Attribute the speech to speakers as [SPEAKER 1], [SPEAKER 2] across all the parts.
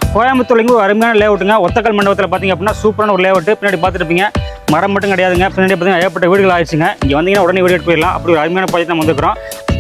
[SPEAKER 1] கோயம்புத்தூர்லேருந்து ஒரு அருமையான லேஅவுட்டுங்க. ஒத்தக்கல் மண்டபத்தில் பார்த்தீங்க அப்படின்னா சூப்பரான ஒரு லேஅவுட்டு. பின்னாடி பார்த்துருப்பீங்க, மரம் மட்டும் கிடையாதுங்க. பின்னாடி பார்த்தீங்கன்னா ஏகப்பட்ட வீடுகள் ஆயிடுச்சுங்க. இங்கே வந்தீங்கன்னா உடனே வீடு எடுத்து போயிடலாம். அப்படி ஒரு அருமையான ப்ராஜெக்ட் நம்ம வந்துக்கிறோம்.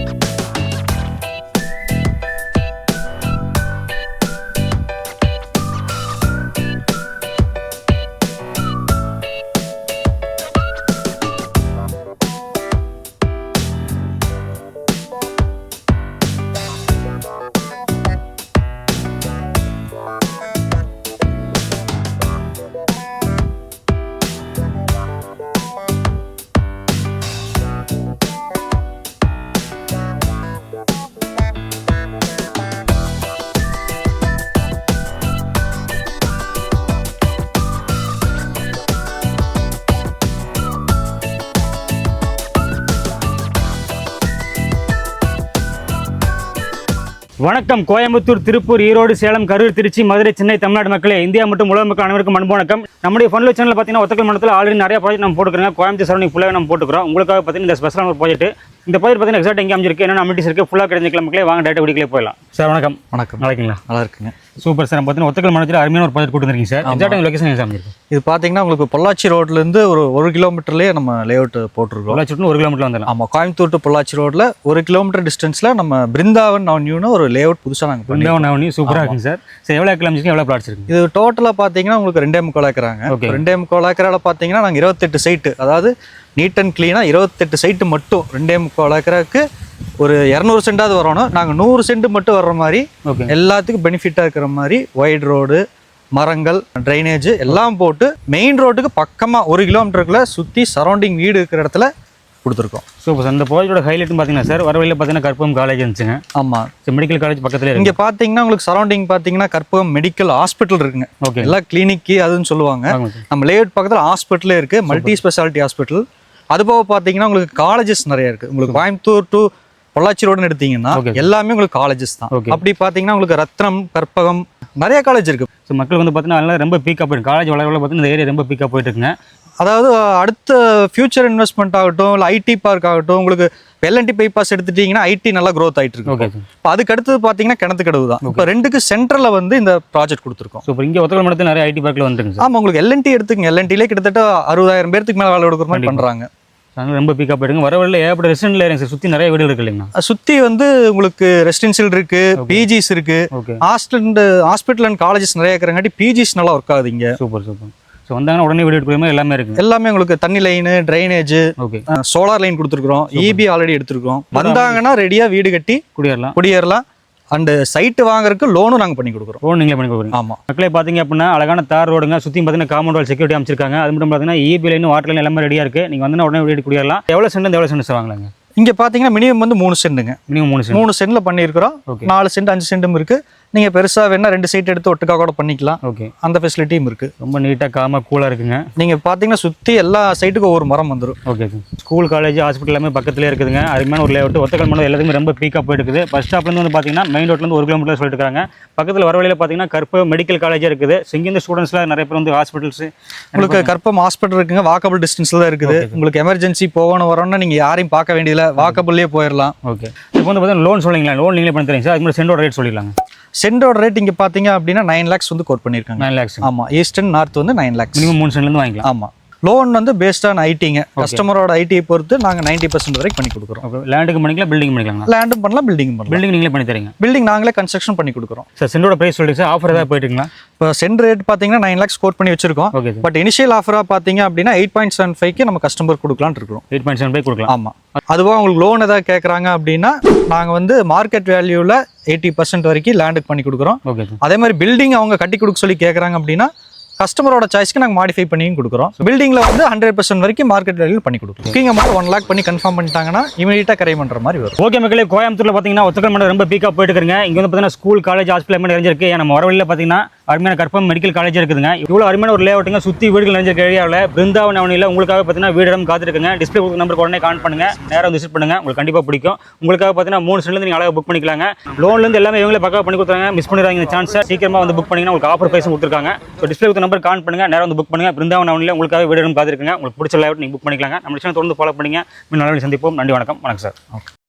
[SPEAKER 1] வணக்கம். கோயம்புத்தூர், திருப்பூர், ஈரோடு, சேலம், கரூர், திருச்சி, மதுரை, சென்னை, தமிழ்நாடு மக்களே, இந்தியா மற்றும் உலக மக்கள் அனைவருக்கும் அன்பு வணக்கம். நம்முடைய ஃபன்லோ சேனலில் பார்த்தீங்கன்னா ஒத்தக்கல் மண்டலத்தில் ஆல்ரெடி நிறைய ப்ராஜெக்ட் நம்ம போட்டுக்கிறோம். கோயம்புத்தூர் சரௌண்டிங் ஃபுல்லாக நம்ம போட்டுக்கிறோம். உங்களுக்காக பார்த்தீங்கன்னா இந்த ஸ்பெஷலான ஒரு ப்ராஜெக்ட். இந்த ப்ராஜெக்ட் பார்த்தீங்கன்னா எக்ஸாக்ட் எங்கே அமைஞ்சிருக்கு, என்னென்ன அமிட்டிஸ் இருக்குது, ஃபுல்லாக கிடைச்சிக்கலாம் மக்களே. வாங்க டேட்டா வீடியோக்களே போயிடலாம். சார் வணக்கம்.
[SPEAKER 2] வணக்கம்.
[SPEAKER 1] நல்லா இருக்கீங்களா?
[SPEAKER 2] நல்லா இருக்குங்க.
[SPEAKER 1] Super sir. பார்த்தீங்கன்னா ஒத்தக்கல் மண்டலத்தில் அருமையான ஒரு ப்ராஜெக்ட் கொடுத்துருக்கீங்க சார். எக்ஸாக்ட் லொகேஷன் எங்கே அமைஞ்சிருக்கு?
[SPEAKER 2] இது பார்த்தீங்கன்னா உங்களுக்கு பொள்ளாச்சி ரோட்லேருந்து ஒரு கிலோமீட்டர்லேயே நம்ம லேஅவுட் போட்டிருக்கோம்.
[SPEAKER 1] பொள்ளாச்சி ரோட்னு 1 கிலோமீட்டர் வந்துடலாம்.
[SPEAKER 2] ஆமாம், கோயம்புத்தூர் டு பொள்ளாச்சி ரோட்டில் 1 கிலோமீட்டர் டிஸ்டன்ஸில் நம்ம பிருந்தாவன் அவென்யூன்னு ஒரு லேஅவுட் புதுசாக நாங்கள்
[SPEAKER 1] பிருந்தாவன் அவென்யூ சூப்பராக இருக்குங்க சார். சார் எவ்வளோ ஏக்கர் அமைச்சிருக்கு, எவ்வளோ பிளாட்ஸ் இருக்குது?
[SPEAKER 2] இது டோட்டலாக பார்த்தீங்கன்னா உங்களுக்கு 2.25 ஏக்கராங்க. 2.25 ஏக்கரால் பார்த்தீங்கன்னா நாங்கள் 28 சைட்டு, அதாவது நீட் அண்ட் க்ளீனாக 28 சைட்டு மட்டும் 2.25 ஏக்கராக்கு ஒரு 200 சென்டாவது வரணும். நாங்கள் 100 சென்ட் மட்டும் வர்ற மாதிரி எல்லாத்துக்கும் பெனிஃபிட்டாக இருக்கிற மாதிரி ஒயிட் ரோடு, மரங்கள், ட்ரைனேஜ் எல்லாம் போட்டு மெயின் ரோட்டுக்கு பக்கமாக 1 கிலோமீட்டருக்குள்ள சுற்றி சரௌண்டிங் வீடு இருக்கிற இடத்துல கொடுத்துருக்கோம்.
[SPEAKER 1] Super sir. இந்த ப்ராஜெக்டோட ஹைலைட்னு பார்த்தீங்கன்னா சார், வரவழியில் பார்த்தீங்கன்னா கற்பகம் காலேஜ் இருந்துச்சுங்க.
[SPEAKER 2] ஆமாம்,
[SPEAKER 1] மெடிக்கல் காலேஜ் பக்கத்தில்
[SPEAKER 2] இங்கே பார்த்தீங்கன்னா உங்களுக்கு சரௌண்டிங் பார்த்தீங்கன்னா கற்பகம் மெடிக்கல் ஹாஸ்பிட்டல் இருக்குங்க.
[SPEAKER 1] ஓகே,
[SPEAKER 2] எல்லாம் கிளினிக்கு அதுன்னு சொல்லுவாங்க. நம்ம லேஅவுட் பக்கத்தில் ஹாஸ்பிட்டலே இருக்குது, மல்டி ஸ்பெஷாலிட்டி ஹாஸ்பிட்டல். அது போக பார்த்தீங்கன்னா உங்களுக்கு காலேஜஸ் நிறைய இருக்குது. உங்களுக்கு கோயம்புத்தூர் டு பொள்ளாச்சி ரோடுன்னு எடுத்தீங்கன்னா எல்லாமே உங்களுக்கு காலேஜஸ் தான். அப்படி பார்த்தீங்கன்னா உங்களுக்கு ரத்னம், கற்பகம் நிறைய காலேஜ் இருக்குது.
[SPEAKER 1] ஸோ மக்கள் வந்து பார்த்தீங்கன்னா ரொம்ப பீக்காக போயிருக்கு. காலேஜ் வளர பார்த்தீங்கன்னா இந்த ஏரியா ரொம்ப பீக்காக போயிட்டு இருக்குங்க.
[SPEAKER 2] அதாவது அடுத்த ஃபியூச்சர் இன்வெஸ்ட்மெண்ட் ஆகட்டும், இல்லை ஐடி பார்க் ஆகட்டும், உங்களுக்கு எல்என்டி பைபாஸ் எடுத்துட்டீங்கன்னா ஐடி நல்லா க்ரோத் ஆகிட்டு இருக்கு. இப்போ அதுக்கு அடுத்தது பார்த்தீங்கன்னா கிணத்துக்கடவு தான். இப்போ ரெண்டுக்கு சென்டரில் வந்து இந்த ப்ராஜெக்ட் கொடுத்துருக்கோம்.
[SPEAKER 1] ஸோ இப்போ இங்கே ஒத்தக்கல் மண்டலத்தில் நிறைய ஐடி பார்க்கில் வந்துருங்க.
[SPEAKER 2] ஆமாம், உங்களுக்கு எல்என்டி எடுத்துக்கங்க. எல்என்டிலே கிட்டத்தட்ட 60,000 பேருக்கு மேலே வேலை கொடுக்குற மாதிரி பண்ணுறாங்க.
[SPEAKER 1] ரொம்ப பீக்காக போயிடுங்க. வரவழியில் ஏகப்பட்ட ரெசிடென்ட்ல ஏரியா சார், சுற்றி நிறைய வீடு இருக்கு இல்லைங்களா?
[SPEAKER 2] சுற்றி வந்து உங்களுக்கு ரெசிடென்சியல் இருக்கு, பிஜிஸ் இருக்கு, ஹாஸ்பிட்டல் அண்ட் காலேஜஸ் நிறைய இருக்கிறங்காட்டி பிஜிஸ் நல்லா ஒர்க் ஆகுது இங்கே.
[SPEAKER 1] Super super. ஸோ வந்தாங்கன்னா உடனே வீடு எடுக்கிற மாதிரி எல்லாமே இருக்குது.
[SPEAKER 2] எல்லாமே உங்களுக்கு தண்ணி லைனு, ட்ரைனேஜ், சோலார் லைன் கொடுத்துருக்குறோம், இபி ஆல்ரெடி எடுத்துருக்கோம். வந்தாங்கன்னா ரெடியாக வீடு கட்டி குடியேறலாம். அண்ட் சைட்டு வாங்குறதுக்கு லோனும் நாங்கள் பண்ணி கொடுக்குறோம்.
[SPEAKER 1] லோன் நீங்களே பண்ணி கொடுக்குறோம்.
[SPEAKER 2] ஆமாம்.
[SPEAKER 1] மக்களே பார்த்தீங்க அப்படின்னா அழகான தார் ரோடுங்க. சுற்றி பார்த்தீங்கன்னா காம்பவுண்ட் வால் செக்யூரிட்டி அமைச்சிருக்காங்க. அது மட்டும் பார்த்தீங்கன்னா இபி லைன், வாட்டர் லைன் எல்லாமே ரெடியாக இருக்குது. நீங்கள் வந்து உடனே வீடு குடியேறலாம். எவ்வளோ சென்ட் வாங்கலாங்க?
[SPEAKER 2] இங்கே பார்த்தீங்கன்னா மினிமம் வந்து 3 சென்ட்டுங்க.
[SPEAKER 1] மினிமம் 3
[SPEAKER 2] சென்ட்ல பண்ணியிருக்கிறோம். 4 சென்ட் 5 சென்ட்டும் இருக்குது. நீங்கள் பெருசாக வேணா 2 சைட் எடுத்து ஒட்டுக்கா கூட பண்ணிக்கலாம்.
[SPEAKER 1] ஓகே,
[SPEAKER 2] அந்த ஃபெசிலிட்டியும் இருக்குது.
[SPEAKER 1] ரொம்ப நீட்டாக காமாக கூலாக இருக்குங்க.
[SPEAKER 2] நீங்கள் பார்த்தீங்கன்னா சுற்றி எல்லா சைட்டுக்கும் ஒவ்வொரு மரம் வந்துடும்.
[SPEAKER 1] ஓகே, ஸ்கூல், காலேஜ், ஹாஸ்பிட்டல் எல்லாமே பக்கத்துலேயே இருக்குதுங்க. அருமையான ஒரு லேஅவுட். ஒத்தக்கல் மண்டலம் எல்லாத்துக்குமே ரொம்ப பீக்காக போயிட்டு இருக்குது. பஸ் ஸ்டாப்லேருந்து வந்து பார்த்தீங்கன்னா மெயின் ரோட்லேருந்து 1 கிலோமீட்டர் சொல்லிட்டு இருக்காங்க. பக்கத்தில் வரவழியில் பார்த்தீங்கன்னா கற்பகம் மெடிக்கல் காலேஜாக இருக்குது. ஸோ இங்கேருந்து ஸ்டூடெண்ட்ஸ்லாம் நிறைய பேர் வந்து ஹாஸ்பிட்டல்ஸ்,
[SPEAKER 2] உங்களுக்கு கற்பகம் ஹாஸ்பிட்டல் இருக்குங்க. வாக்கபிள் டிஸ்டன்ஸில் தான் இருக்குது. உங்களுக்கு எமர்ஜென்சி போகணும் வரோன்னா நீங்கள் யாரையும் பார்க்க வேண்டியதில்லை, வாக்கபிள்லேயே போயிடலாம்.
[SPEAKER 1] ஓகே, இப்போ வந்து பார்த்தீங்கன்னா லோன் சொல்லிங்களா? லோன் நீங்களே பண்ணி தரீங்க சார். அது மாதிரி சென்டோட ரேட் சொல்லிடலாங்க.
[SPEAKER 2] சென்டோட ரேட் இங்கே பார்த்தீங்க அப்படின்னா 9 lakhs வந்து கோட் பண்ணியிருக்காங்க.
[SPEAKER 1] 9 lakhs.
[SPEAKER 2] ஆமாம், ஈஸ்ட் அண்ட் நார்த் வந்து 9 lakhs.
[SPEAKER 1] மினிமம் 3 சென்ட்லேருந்து வாங்கிக்கலாம்.
[SPEAKER 2] ஆமாம், லோன் வந்து பேஸ்ட் ஆன் ஐடிங்க. கஸ்டமரோட ஐடியை பொறுத்து நாங்கள் 90% வரைக்கும் பண்ணி கொடுக்குறோம்.
[SPEAKER 1] லேண்டுக்கு பண்ணிக்கலாம், பில்டிங் பண்ணிக்கலாம்.
[SPEAKER 2] லேண்டும் பண்ணலாம், பில்டிங் பண்ணலாம்.
[SPEAKER 1] பில்டிங் நீங்களே பண்ணி தரீங்க?
[SPEAKER 2] பில்டிங் நாங்களே கன்ஸ்ட்ரக்ஷன் பண்ணி கொடுக்குறோம்.
[SPEAKER 1] சார் சென்டோட பிரைஸ் சொல்லிட்டு சார், ஆஃபர் ஏதாவது போயிட்டுங்களா?
[SPEAKER 2] இப்போ சென்ட் ரேட் பார்த்தீங்கன்னா 9 lakhs கோட் பண்ணி வச்சிருக்கோம்.
[SPEAKER 1] ஓகே,
[SPEAKER 2] பட் இனிஷியல் ஆஃபராக பார்த்தீங்க அப்படின்னா 8.75க்கு நம்ம கஸ்டமர் கொடுக்கலான்னு இருக்கிறோம்.
[SPEAKER 1] 8.75 கொடுக்கலாம்.
[SPEAKER 2] ஆமாம், அதுவாக உங்களுக்கு லோன் ஏதாவது கேட்குறாங்க அப்படின்னா நாங்கள் வந்து மார்க்கெட் வேல்யூவில் 80% வரைக்கும் லேண்டுக்கு பண்ணி கொடுக்குறோம்.
[SPEAKER 1] ஓகே,
[SPEAKER 2] அதே மாதிரி பில்டிங் அவங்க கட்டி கொடுக்க சொல்லி கேட்குறாங்க அப்படின்னா கஸ்டமரோட சாய்ஸ்க்கு நாங்கள் மாடிஃபை பண்ணியும் கொடுக்குறோம். பில்டிங்கில் வந்து 100% வரைக்கும் மார்க்கெட் வேல்யூ பண்ணி கொடுக்குறோம். புக்கிங் அமௌண்ட் 1 lakh பண்ணி கன்ஃபார்ம் பண்ணிட்டாங்கன்னா இமீடியட்டாக கரை பண்ணுற மாதிரி வரும்.
[SPEAKER 1] ஓகே மக்களே, கோயம்புத்தூரில் பார்த்தீங்கன்னா ஒத்தக்கல் மண்டலம் ரொம்ப பீக்காக போயிட்டு இருக்குங்க. இங்கே வந்து பார்த்தீங்கன்னா ஸ்கூல், காலேஜ், ஹாஸ்பிட்டல் எல்லாமே நிறைஞ்சிருக்கு. நம்ம வரவழியில் பார்த்தீங்கன்னா அருமையான கற்பகம் மெடிக்கல் காலேஜ் இருக்குதுங்க. இவ்வளோ அருமையான ஒரு லேஅவுட்டுங்க. சுற்றி வீடுகள் நிறைஞ்சிருக்க ஏரியாவில் பிருந்தாவன் அவென்யூல உங்களுக்காக பார்த்தீங்கன்னா வீடு இடம் காத்திருக்குங்க. டிஸ்பிளே நம்பருக்கு உடனே கான்ட் பண்ணுங்க, நேராக வந்து விசிட் பண்ணுங்க. உங்களுக்கு கண்டிப்பாக பிடிக்கும். உங்களுக்காக பார்த்தீங்கன்னா 3 சென்ட்லேருந்து நீங்கள் அழகாக புக் பண்ணிக்கலாங்க. லோன்லேருந்து எல்லாமே இவங்களே பக்காவாக பண்ணி கொடுத்துறாங்க. மிஸ் பண்ணிடுறாங்க இந்த சான்ஸை. சீக்கிரமாக வந்து புக் பண்ணிங்கன்னா உங்களுக்கு ஆஃபர் ப்ரைஸும் கொடுத்துருக்காங்க. ஸோ டிஸ்பிளே நம்பர் கான்ட் பண்ணுங்க, நேராக வந்து புக் பண்ணுங்க. பிருந்தாவன் அவென்யூல உங்களுக்காக வீடு இடம் காத்திருக்குங்க. உங்களுக்கு பிடிச்ச லேஅவுட் நீங்கள் புக் பண்ணிக்கலாங்க. நம்ம சேனல் தொடர்ந்து ஃபாலோ பண்ணுங்க. நல்ல சந்திப்போம். நன்றி, வணக்கம். வணக்கம் சார். ஓகே.